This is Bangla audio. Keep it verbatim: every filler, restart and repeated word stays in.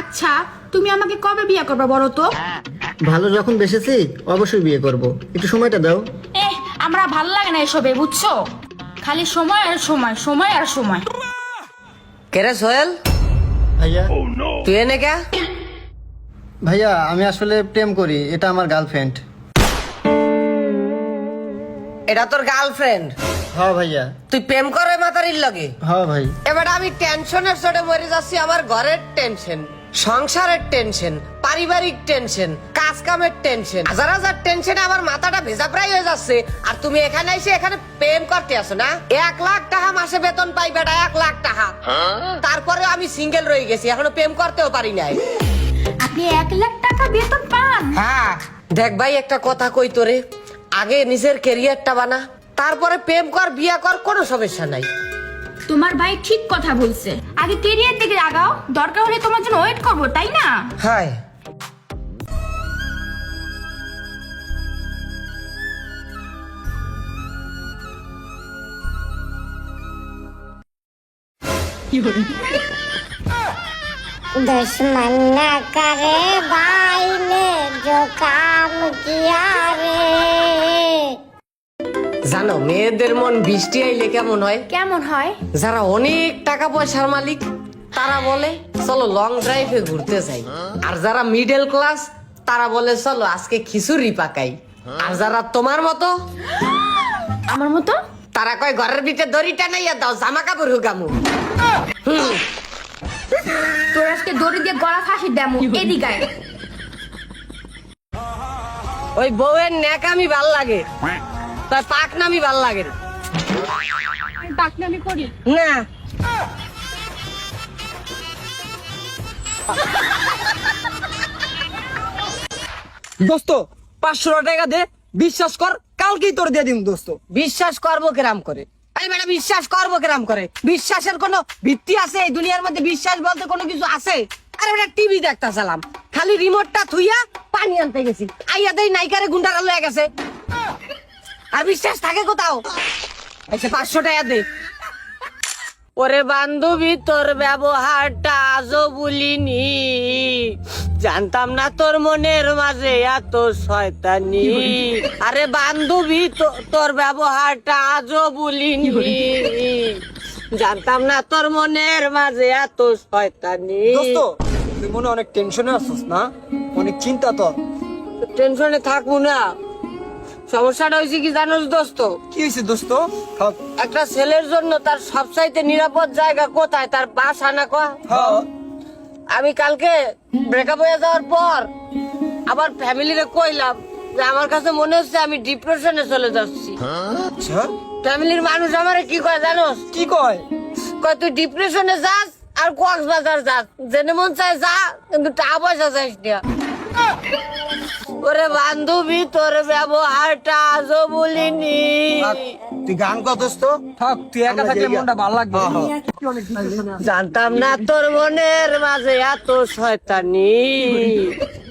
আচ্ছা তুমি আমাকে কবে বিয়ে করবে বলো তো? ভালো যখন বেসেছি অবশ্যই বিয়ে করব, একটু সময়টা দাও। এ আমরা ভালো লাগে না এসবে, বুঝছো? খালি সময় আর সময়, সময় আর সময়। কেরে সোহেল, ভাইয়া তুই এনে কে? ভাইয়া আমি আসলে প্রেম করি, এটা আমার গার্লফ্রেন্ড। এটা তোর গার্লফ্রেন্ড? হ্যাঁ ভাইয়া। তুই প্রেম করে মাতারির লগে? হ্যাঁ ভাই। এবার আমি টেনশনের চোটে মরে যাচ্ছি। আমার ঘরের টেনশন, সংসারের টেনশন, পারিবারিক টেনশন, কাজ কামের টেনশন, হাজার হাজার টেনশনে আমার মাথাটা ভেজা প্রায় হয়ে যাচ্ছে। আর তুমি এখানে এসে এখানে প্রেম করতে আসো না? এক লাখ টাকা মাসে বেতন পাই বেটা, এক লাখ টাকা। তারপরে আমি সিঙ্গেল রয়ে গেছি, এখনো প্রেম করতেও পারি নাই। আপনি এক লাখ টাকা বেতন পান? হ্যাঁ দেখ ভাই, একটা কথা কই তোরে, আগে নিজের ক্যারিয়ারটা বানা, তারপরে প্রেম কর, বিয়া কর, কোনো সমস্যা নাই। তোমার ভাই ঠিক কথা বলছে, আগে কেরিয়ার দিকে আগাও, দরকার হলে তোমার জন্য ওয়েট করবো, তাই না? হাই दुश्मन न करे भाई ने जो काम किया रे। জানো মেয়েদের মন বৃষ্টি আইলে কেমন হয়? কেমন হয়? যারা অনেক টাকা পয়সার মালিক তারা বলে চলো লং ড্রাইভে ঘুরতে যাই, আর যারা মিডল ক্লাস তারা বলে চলো আজকে খিচুড়ি পাকাই, আর যারা তোমার মতো আমার মতো তারা কয় ঘরের ভিতরে দড়িটা নাইয়া দাও, জামা কাপড় হুগামু। তোর আজকে দড়ি দিয়ে গলা ফাঁসি দেমু, এদিকে আয়। ওই বউয়ের ন্যাকামি ভাল লাগে, তার পাকনামি ভাল লাগে না। পাকনামি করি না দোস্ত পাঁচশো টাকা দে, বিশ্বাস কর কালকেই তোর দিয়ে দিন দোস্ত। বিশ্বাস করবো কেরাম করে? আরে বেটা বিশ্বাস করবো কেরাম করে? বিশ্বাসের কোনো ভিত্তি আছে এই দুনিয়ার মধ্যে? বিশ্বাস বলতে কোনো কিছু আছে? আরে বেটা টিভি দেখতে চালাম, খালি রিমোটটা থুইয়া পানি আনতে গেছি, আইয়া দেই নাইকারে গুন্ডারা লয়ে গেছে। আর বিশ্বাস থাকে কোথাও? আচ্ছা পাঁচশো টাকা দে। ওরে বান্ধবী তোর ব্যবহারটা আজও ভুলিনি, জানতাম না তোর মনের মাঝে এত শয়তানি। আরে বান্ধবী তোর ব্যবহারটা আজও ভুলিনি, জানতাম না তোর মনের মাঝে এত শয়তানি। দোস্ত তুই মনে অনেক টেনশনে আছিস না? অনেক চিন্তা তোর। টেনশনে থাকবো না, সমস্যাটা হয়েছে কি জানোস দোস্ত? কি হয়েছে দোস্ত? থাক। একটা ছেলের জন্য তার সবচাইতে নিরাপদ জায়গা কোথায়? তার বাসা না কয়া? হ্যাঁ আমি কালকে ব্রেকআপ হয়ে যাওয়ার পর আবার ফ্যামিলিরে কইলাম যে আমার কাছে মনে হচ্ছে আমি ডিপ্রেশনে চলে যাচ্ছি। আচ্ছা ফ্যামিলির মানুষ আমারে কি কয় জানোস? কি কয়? কয় তুই ডিপ্রেশনে যাস আর কক্সবাজার যাস, জেনে মন চায় যা, কিন্তু টাকা পয়সা চাইস না। ওরে বান্ধবী তোর ব্যবহারটা আজও বলিনি। থাক, তুই গান কর দোস্ত। থাক তুই একা থাকলে মনটা ভালো লাগবে। জানতাম না তোর মনের মাঝে এত শয়তানি।